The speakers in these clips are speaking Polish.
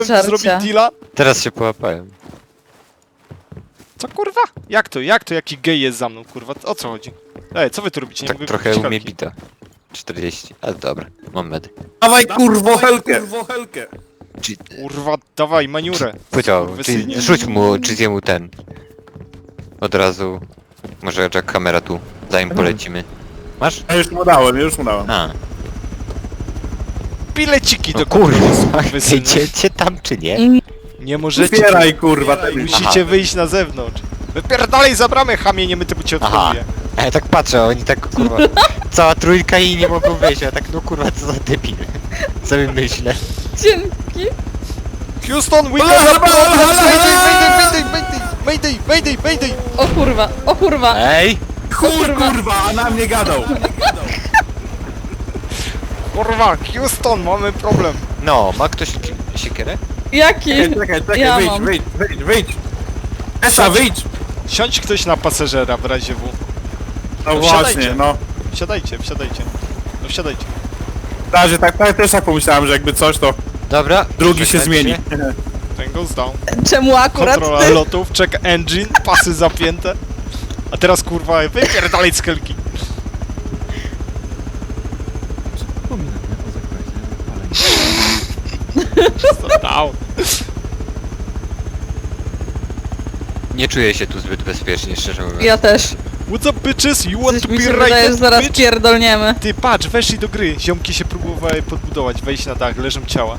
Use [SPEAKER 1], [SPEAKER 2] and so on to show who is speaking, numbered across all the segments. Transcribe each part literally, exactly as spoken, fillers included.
[SPEAKER 1] Żarcia.
[SPEAKER 2] zrobić deala?
[SPEAKER 3] Teraz się połapałem.
[SPEAKER 2] Co kurwa? Jak to? Jak to? Jaki gej jest za mną, kurwa? O co chodzi? Ej, co wy tu robicie? Nie
[SPEAKER 3] Tak
[SPEAKER 2] mogę
[SPEAKER 3] trochę
[SPEAKER 2] kupić
[SPEAKER 3] umie
[SPEAKER 2] kalki.
[SPEAKER 3] bita. czterdzieści, ale dobra, mam medy.
[SPEAKER 4] Dawaj kurwo helkę! helkę!
[SPEAKER 3] Czy,
[SPEAKER 2] Kurwa, dawaj, maniurę.
[SPEAKER 3] powiedział,
[SPEAKER 2] Kurwysynie.
[SPEAKER 3] czy, rzuć mu, czy zjemu ten. Od razu. Może Jack kamera tu, zanim polecimy. Masz?
[SPEAKER 4] Ja już mu dałem, już mu dałem.
[SPEAKER 3] A,
[SPEAKER 2] Bileciki
[SPEAKER 3] no
[SPEAKER 2] do
[SPEAKER 3] kurwa,
[SPEAKER 2] kurwy syny.
[SPEAKER 3] idziecie tam czy nie?
[SPEAKER 2] Nie możecie.
[SPEAKER 4] Otwieraj kurwa te
[SPEAKER 2] Musicie
[SPEAKER 3] Aha.
[SPEAKER 2] wyjść na zewnątrz. Wypierdalej za bramę, chamie, nie my ty cię
[SPEAKER 3] Aha.
[SPEAKER 2] odpłynie.
[SPEAKER 3] A ja tak patrzę, oni tak kurwa, cała trójka i nie mogą wyjść, ja tak no kurwa co za debil. Sobie myślę.
[SPEAKER 1] Dzięki.
[SPEAKER 2] Houston, we got a problem! Mayday, mayday, mayday, mayday, mayday, mayday!
[SPEAKER 1] O kurwa, o kurwa.
[SPEAKER 3] Ej!
[SPEAKER 4] chuj kurwa, a na mnie gadał!
[SPEAKER 2] Kurwa, Houston, mamy problem.
[SPEAKER 3] No, ma ktoś ki- siekierę?
[SPEAKER 1] Jaki?
[SPEAKER 4] Czekaj, czekaj, czekaj,
[SPEAKER 1] Ja
[SPEAKER 4] wyjdź,
[SPEAKER 1] mam.
[SPEAKER 4] wyjdź, wyjdź, wyjdź! Esa, wyjdź!
[SPEAKER 2] Siądź ktoś na pasażera w razie W.
[SPEAKER 4] No
[SPEAKER 2] No
[SPEAKER 4] właśnie,
[SPEAKER 2] wsiadajcie.
[SPEAKER 4] no.
[SPEAKER 2] Wsiadajcie, wsiadajcie. No wsiadajcie.
[SPEAKER 4] W razie tak, tak, też tak pomyślałem, że jakby coś, to
[SPEAKER 3] Dobra.
[SPEAKER 4] drugi się
[SPEAKER 3] czekajcie.
[SPEAKER 4] zmieni.
[SPEAKER 2] Ten goes down.
[SPEAKER 1] Czemu akurat
[SPEAKER 2] Kontrola
[SPEAKER 1] ty?
[SPEAKER 2] lotów, check engine, pasy zapięte. A teraz kurwa, wypierdalaj z helki. Stop down.
[SPEAKER 3] Nie czuję się tu zbyt bezpiecznie, szczerze mówiąc.
[SPEAKER 1] Ja też.
[SPEAKER 2] What's up bitches? You want
[SPEAKER 1] Coś
[SPEAKER 2] to
[SPEAKER 1] mi
[SPEAKER 2] be
[SPEAKER 1] się wydaje, że
[SPEAKER 2] raided,
[SPEAKER 1] zaraz
[SPEAKER 2] bitch?
[SPEAKER 1] pierdolniemy.
[SPEAKER 2] Ty patrz, weszli do gry. Ziomki się próbowały podbudować, wejść na dach, leżą ciała.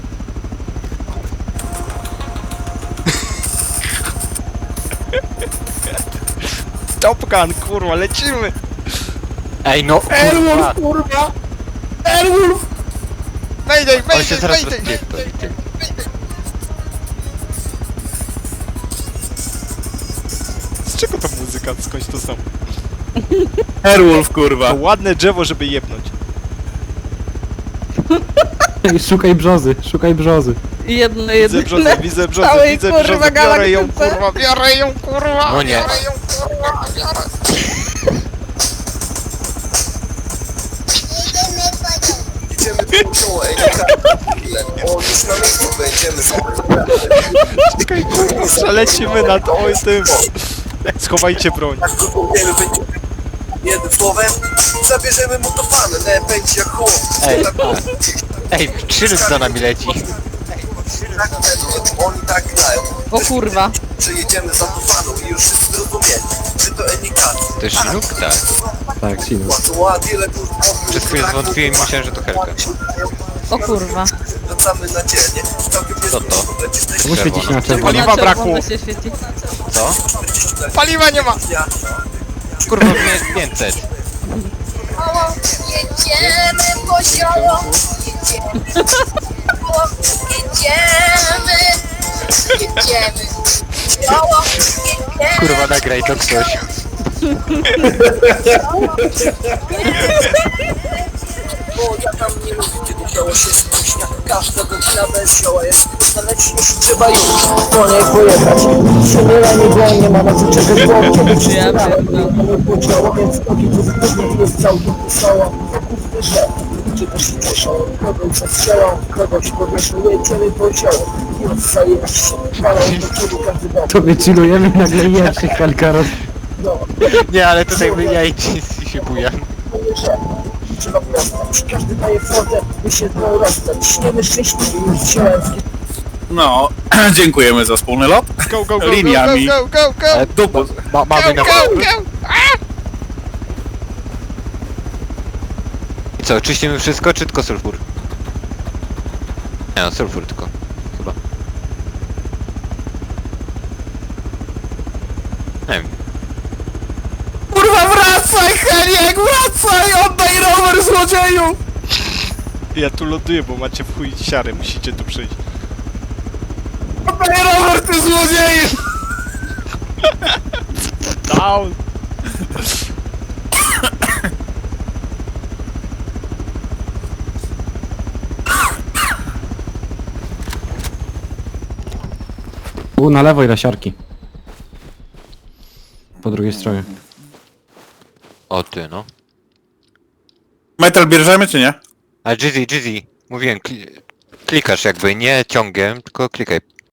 [SPEAKER 2] Top Gun, kurwa, lecimy!
[SPEAKER 3] Ej no, kurwa!
[SPEAKER 4] Airwolf, kurwa! Airwolf!
[SPEAKER 2] Mayday,
[SPEAKER 3] On się
[SPEAKER 2] mayday,
[SPEAKER 3] zaraz
[SPEAKER 2] mayday!
[SPEAKER 3] rozpierdoli, ty.
[SPEAKER 2] Z czego ta muzyka? Skądś to są?
[SPEAKER 4] Airwolf,
[SPEAKER 2] To
[SPEAKER 4] kurwa!
[SPEAKER 2] ładne drzewo, żeby jebnąć.
[SPEAKER 5] Ej, szukaj brzozy, szukaj brzozy.
[SPEAKER 1] Jedno,
[SPEAKER 2] Widzę
[SPEAKER 1] jedno.
[SPEAKER 2] brzozę, widzę brzozę,
[SPEAKER 1] Całej,
[SPEAKER 2] widzę
[SPEAKER 1] kurwa,
[SPEAKER 2] brzozę, biorę ją,
[SPEAKER 1] galaktyce.
[SPEAKER 2] kurwa, biorę ją, kurwa!
[SPEAKER 3] No nie.
[SPEAKER 2] Biorę ją, kurwa, biorę!
[SPEAKER 6] Idziemy dużo, ej, o, już na miejscu będziemy
[SPEAKER 2] Czekaj, kurwa, przelecimy nad oj tym. Schowajcie broń.
[SPEAKER 6] tak długo wiemy, będziemy jednym słowem, zabierzemy mu to fanę, nie będzie jak chłop.
[SPEAKER 3] Ej,
[SPEAKER 6] Tak,
[SPEAKER 3] Ej, krzyż za nami leci.
[SPEAKER 6] tak, oni tak grają,
[SPEAKER 1] O kurwa.
[SPEAKER 6] że jedziemy za to faną i już wszyscy zrozumieli, że to enikaty.
[SPEAKER 3] To jest Chinook? Tak.
[SPEAKER 5] Tak, Sino.
[SPEAKER 6] Płacą ładnie, ile kurwa.
[SPEAKER 3] Przez chwilę zwątpiłem i myślałem, że to Helka.
[SPEAKER 1] O kurwa.
[SPEAKER 6] Wracamy na dzielnie, całkiem
[SPEAKER 3] Co to?
[SPEAKER 5] Czemu świeci się na czerwono?
[SPEAKER 2] Paliwa
[SPEAKER 1] Na
[SPEAKER 2] brakło.
[SPEAKER 1] czerwono się świeci.
[SPEAKER 3] Co?
[SPEAKER 2] Paliwa nie ma!
[SPEAKER 3] Kurwa, mnie jest pięćset.
[SPEAKER 7] Jedziemy po zioło, jedziemy, jedziemy, jedziemy, zioło, jedziemy.
[SPEAKER 3] Kurwa, nagraj to ktoś.
[SPEAKER 6] Bo ja tam nie lubię, kiedy zioło się spóźnia. Każda godzina bez zioła jest znaleźć już trzeba już po niej pojechać. Przemieranie go nie ma na co czekać, bo kiedy wszyscy
[SPEAKER 1] Ja
[SPEAKER 6] rano
[SPEAKER 1] pierdolę.
[SPEAKER 6] mamy podziało, więc ogień to wybuchnie jest całkiem wesoło. Wyszedł, czy też się cieszą, kogoś zastrzelą, kogoś powieszą, jedziemy po zioło. I odstaje się, palą do przodu każdy dom.
[SPEAKER 5] To wychillujemy i nagle jeszcze Helka roz...
[SPEAKER 3] Nie, ale tutaj my ja i ci się bujam.
[SPEAKER 6] Trzeba postać, każdy daje fotę, by się z nią rozstać. Śniemy szczęśliwie już ziołęckie.
[SPEAKER 4] No, dziękujemy za wspólny lot.
[SPEAKER 2] Go, go, go,
[SPEAKER 4] Liniami.
[SPEAKER 2] go, go, go, go,
[SPEAKER 3] E,
[SPEAKER 4] Dupu.
[SPEAKER 3] Ma, mamy na...
[SPEAKER 2] go, go!
[SPEAKER 3] I co, czyścimy wszystko, czy tylko sulfur? Nie no, sulfur tylko. Chyba. Nie wiem.
[SPEAKER 4] Kurwa, wracaj, Heniek, wracaj! Oddaj rower, złodzieju!
[SPEAKER 2] Ja tu ląduję, bo macie w chuj siary, musicie tu przyjść.
[SPEAKER 4] Oddaj rower, ty złodzieju!
[SPEAKER 2] Down!
[SPEAKER 5] U, na lewo i lasiarki. Po drugiej stronie.
[SPEAKER 3] O ty, no.
[SPEAKER 4] Metal bierzemy, czy nie?
[SPEAKER 3] A Jizzy, Jizzy, mówiłem, kli klikasz jakby, nie ciągiem, tylko klikaj